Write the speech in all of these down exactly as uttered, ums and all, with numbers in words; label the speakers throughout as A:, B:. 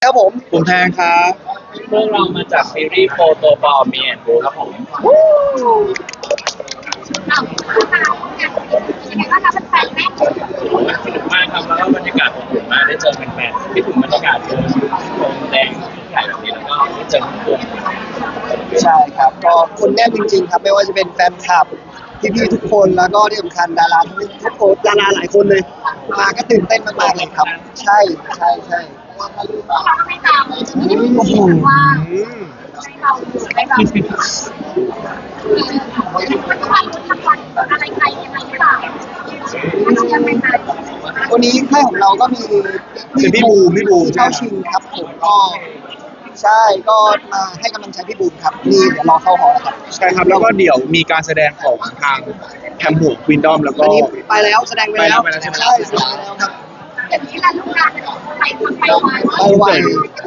A: ครับผม
B: ผมแทนครับ
C: พวกเรามาจากซีรีส์โฟโตบอลมีแอนดูครับผม
D: เราเป็นยังไงบ้างคะแฟนๆแม่
C: สนุกมากครับแล้วก็บรรยากาศอบอุ่นมากได้เจอแฟนๆที่ถึงบรรยากาศเจอโรงแดงใหญ่แบบนี้แล้วก็ได้เจอทุกคน
A: ใช่ครับก็คนแน่นจริงๆครับไม่ว่าจะเป็นแฟนคลับพี่ๆทุกคนแล้วก็ที่สำคัญดาราทุกคนดาราหลายคนเลยมาก็ตื่นเต้นมากๆเลยครับใช่ใช่ใช่
D: เราไม่ตามเลยจะไม่ได้มีเสียงว่าให้เราอยู่ให้เรามันก็วันทำวันอะไรใครยังไงหรือเปล่าไม่เชื่อไม่ได้
A: วันนี้ค่ายของเราก็มี
B: คือพี่บูมพี่บูม
A: เข้าชิงครับผมก็ใช่ก็มาให้กำลังใจพี่บูมครับนี่เดี๋ยวรอเข้าหอครับ
B: ใช่ครับแล้วก็เดี๋ยวมีการแสดงของทางแคมป์หัวควีนดอมแล้วก็
A: อันนี้ไปแล้วแสดงไปแล้ว
B: ไปแล้วใช่ไหม
A: ใช่แสดงไปแล้วครับ
D: อย่างนี้แหละลูกงานไปทำไปไว
A: ไปไว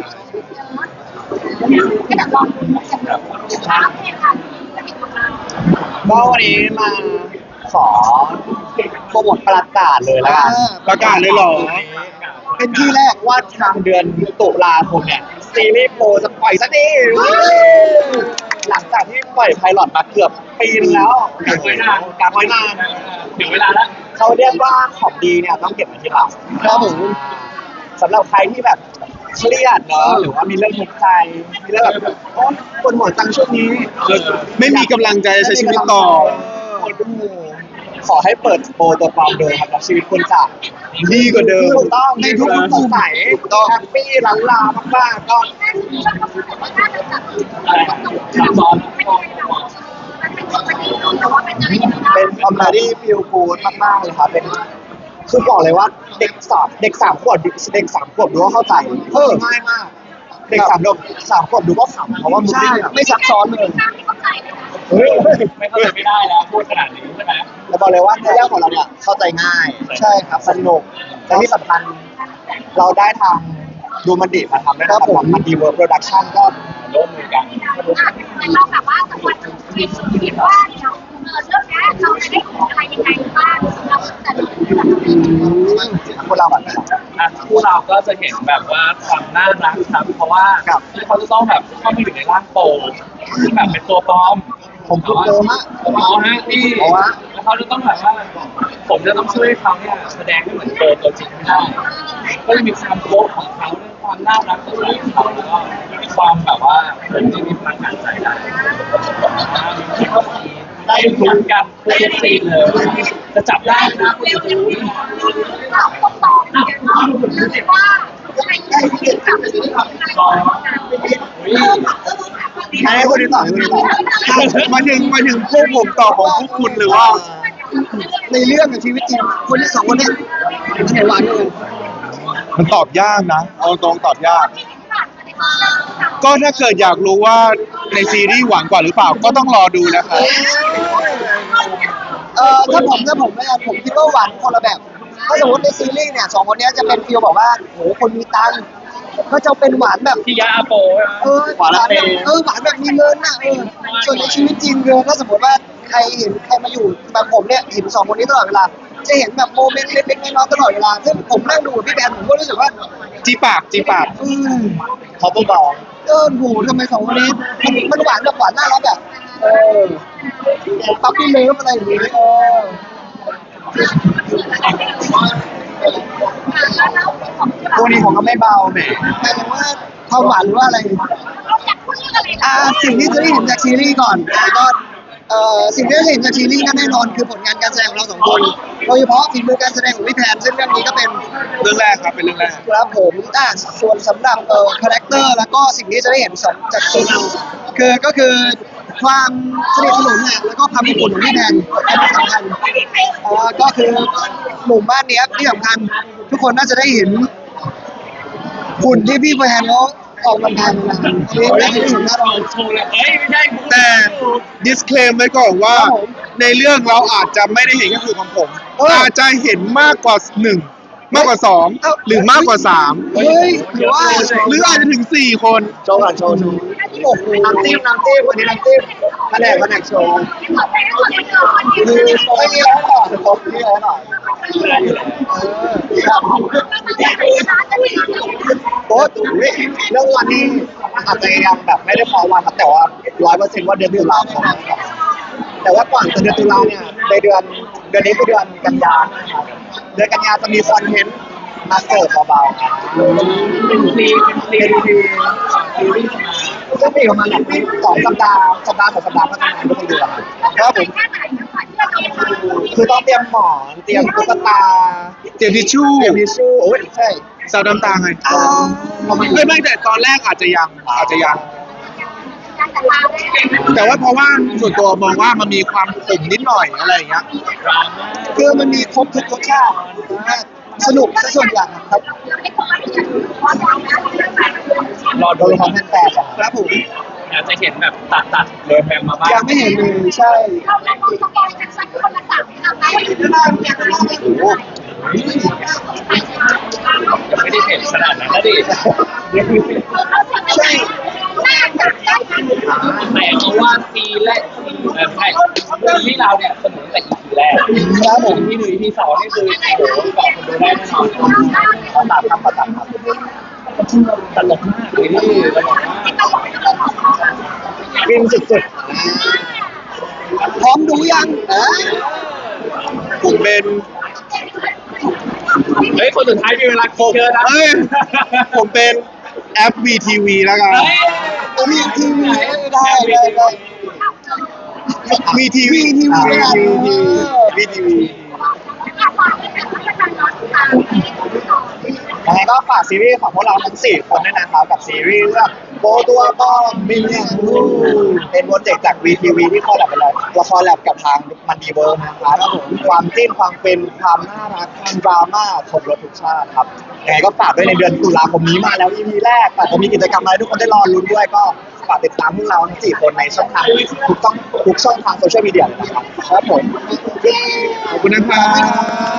D: ก็เดี๋ยวรอดูกันแบบว่าเพลงค่ะจะมีของเรา
A: ก็วันนี้มาขอโปรโมทประกาศเลยแล้วกัน
B: ประกาศเลยเหรอ
A: เป็นที่แรกว่าทางเดือนตุลาคมเนี่ยซีรีส์โปรจะปล่อยสักทีหลังจากที่ปล่อยไพลอตมาเกือบปีนึงแล้วกางไว้นานกางไว้นาน
C: ถึงเวลาแล้ว
A: เขาเรียกว่าของดีเนี่ยต้องเก็บไว้ที่หลังครับผมสำหรับใครที่แบบเครียดเนาะหรือว่ามีเรื่องทุกข์ใจมีเรื่องแบบโอ๊ยปวดหัวจังช่วงนี้
B: ไม่มีกำลังใจจะใช้ชีวิตต่อ
A: ขอให้เปิดโปรตัวความเดิมครับแล้วชีวิตคุณจะ
B: ดีกว่าเดิม
A: ถูกต้องในทุกๆสดใสแฮปปี้ล้านลามากๆก็
C: ซับซ้อน
A: เป็นคอมเมดี้ฟิลกูดมากๆเลยครับเป็นคือบอกเลยว่าเด็กสามเด็กสามขวบเด็กสามขวบดูก็เข้าใจเออง่ายมาก เด็กสามขวบสามขวบดูก็ขำเพราะว่ามันไม่ซับซ้อนเลย
C: เฮ้ยไม่เข้าใจไม่ได้แล้วพูดขนาดนี้ใช่ไหม
A: แล้วบอกเลยว่าเรื่องของเราเนี่ยเข้าใจง่ายใช่ครับสนุกและที่สำคัญเราได้ทางดูมันดีมาทำได้ครับผมมันดีเวิร์คโปรดักชั่นก็
C: ร่วมมือกัน
D: เราแบบว่าสมมติคิดว่าเดี๋ยวเออเรื่องนี้เราจะได้อะไรยังไงบ้างเราจะดู
A: พวกเราแบบ
C: คู่เราก็จะเห็นแบบว่าความน่ารักครับเพราะว่าเขาจะต้องแบบเข้ามาอยู่ในร่างโปที่แบบเป็นตัวปลอม
A: ผมพูดโตมาก
C: อ๋อฮะนี่แล้วเขาจะต้องแบบว่าผมจะต้องช่วยเขาเนี่ยแสดงให้เหมือนตัวตัวจริงไม่ได้ก็จะมีความโป๊ะของเขาเรื่องความน่ารักของเขาแล้วก็ความแบบว่าผมที่มีพลังงานใจได้ได้ลุ้นกันทุกซีนเลยจะจับได้นะคุณจะรู้
D: เราต้องตอบรู้สึกว่าอะไรที่กับ
A: ให้คนที่ต่อให้คนที่ต่อ
B: มาถึงมาถึงพวกผมต่อของพวกคุณหรือว่า
A: ในเรื่องกับชีวิตจริงคนที่สองคนนี้อันไหนหวานกัน
B: มันตอบยากนะเอาตรงตอบยากก็ถ้าเกิดอยากรู้ว่าในซีรีส์หวานกว่าหรือเปล่าก็ต้องรอดูนะครับ
A: เอ่อถ้าผมถ้าผมไม่ผมคิดว่าหวานคนละแบบถ้าสมมติในซีรีส์เนี่ยสองคนนี้จะเป็นฟีลบอกว่าโหคนมีตังค์ก็จะเป็นหวานแบบ
C: ที่ยาโป
A: เออหวานแบบเออหวานแบบมีเงินน่ะเออส่วนในชีวิตจริงเลยถ้าสมมติว่าใครเห็นใครมาอยู่แบบผมเนี่ยเห็นสองคนนี้ตลอดเวลาจะเห็นแบบโมเมนต์เล็กๆน้อยๆตลอดเวลาซึ่งผมนั่งดูกับพี่แบนผมก็รู้สึกว่า
B: จีปากจีปาก
A: อืมเขาเบาๆเออโหทำไมสองคนนี้มันมันหวานแบบหวานน่ารักแบบเออปั๊บปี้เลิฟอะไรอย่างนี้เออตัวนี้ผมก็ไม่เบาแหมหมายถึงว่าความหวานหรือว่าอะไรอ่าสิ่งที่จะได้เห็นจากซีรีส์ก่อนก็เอ่อสิ่งที่จะเห็นจากซีรีส์นั่นแน่นอนคือผลงานการแสดงของเราสองคนโดยเฉพาะฝีมือการแสดงของพี่แทนซึ่งเรื่องนี้ก็เป็น
B: เรื่องแรกครับเป็นเรื่องแรก
A: ครับผมอ่าส่วนสำหรับเอ่อคาแรคเตอร์แล้วก็สิ่งที่จะได้เห็นจากซีรีส์คือก็คือความสนิทสนมเนี่ยแล้วก็ความอบอุ่นของพี่แทนเป็นสำคัญเอ่อก็คือหมู่บ้านนี้ที่สำคัญทุกคนน่าจะได้เห็นหุ่นที่พี่แทนเขาออกกำลังกายมาอันนี้น่าจะได้เห็นแน่นอน
B: แต่ disclaim ไว้ก่อนว่าในเรื่องเราอาจจะไม่ได้เห็นแค่คือของผมอาจจะเห็นมากกว่าหนึ่งมากกว่าสองหรือมากกว่าสาม
A: เฮ้ยหรือว่า
B: หรืออาจจะถึงสี่คน
A: โชว์ก่อนโชว์โชว์โอ้โหน้ำจิ้มน้ำจิ้มวันนี้น้ำจิ้มแผนกแผนกโชว์คือไม่มีแล้วก่อนผมไม่มีแล้วก่อนโอ้ตุ๋ยเรื่องวันนี้อาจจะยังแบบไม่ได้พอวันครับแต่ว่าร้อยเปอร์เซ็นต์ว่าเดือนตุลาคมนะครับแต่ว่าก่อนจะเดือนตุลาเนี่ยในเดือนเดือนนี้คือเดือนกันยายนนะครับเดือนกันยายนจะมีคอนเทนต์มาเสิร์ฟเบาๆครับ
C: เป็นฟรีเป็นฟรี
A: ซึ่งมีประมาณแบบสองสัปดาห์สัปดาห์สองสัปดาห์ก็ทำงานทุกเดือนครับผมคือต้องเตรียมหมอนเตรียมตุ๊กตา
B: เตรียมทิชชู่
A: เตรียมทิชชู่โอ้ยใช่
B: ซาวน้ำตาไง
A: อ่า
B: เอ้ยไม่แต่ตอนแรกอาจจะยังอาจจะยัง แต่ว่าเพราะว่าส่วนตัวมองว่ามันมีความขมนิดหน่อยอะไรอย่างเงี้ย
C: ดราม่า
A: คือมันมีครบทุกรสชาติสนุกซะส่วนใหญ่ครับ
C: รอ
A: โด
C: ดู
A: ยความแฟนๆครับผม
C: อาจจะเห็นแบบตัดตัดๆเลยแปมมาบ้าง
A: ยังไม่เห็นเลยใช่โอ้
C: ยังไม่ได้เห็นขนาดนั้นนะดิ
A: ใช่
C: แต่เอาว่าซีแรกซีเออใช่ซีที่เราเนี่ยเสนอแต่อีพีแรก
A: ครับผม
C: ที่หนึ่งที่สองนี่คือโอ้โหเกาะคนดูได้แน่นอน
A: ต้องตามคำประกาศครับ
C: ตลกมากเลยนี่ตลกมาก
A: ฟินสุดๆพร้อมดูยังอ่า
B: ผมเป็น
C: เฮ้ยคนสุดท้ายมีเวลาคิดเยอะนะ
B: เอ้ยผมเป็นแอป วี ที วี แล้วกัน
C: เฮ้ย
A: ตัวนี้ทีวีได้ได้ได้
B: วี ที วี
A: ทีวีได้
B: วี ที วี
A: ยังไงก็ฝากซีรีส์ของพวกเราทั้งสี่คนด้วยนะครับกับซีรีส์เรื่องโบตัวป้อมมินเนี่ยเป็นโปรเจกต์จาก วี ที วี ที่คอลแลบไปเลยละครแลบกับทางมันดีเวิร์นะครับแล้วผมความจิ้นความเป็นความน่ารักความดราม่าครบรสทุกชาติครับยังไงก็ฝากด้วยในเดือนตุลาคมนี้มาแล้ว อี พี แรกแต่จะมีกิจกรรมอะไรทุกคนได้รอลุ้นด้วยก็ฝากติดตามพวกเราทั้งสี่คนในช่องทางทุกต้องทุกช่องทางโซเชียลมีเดียเลยนะครับครับผม
B: ขอบคุณนะครับ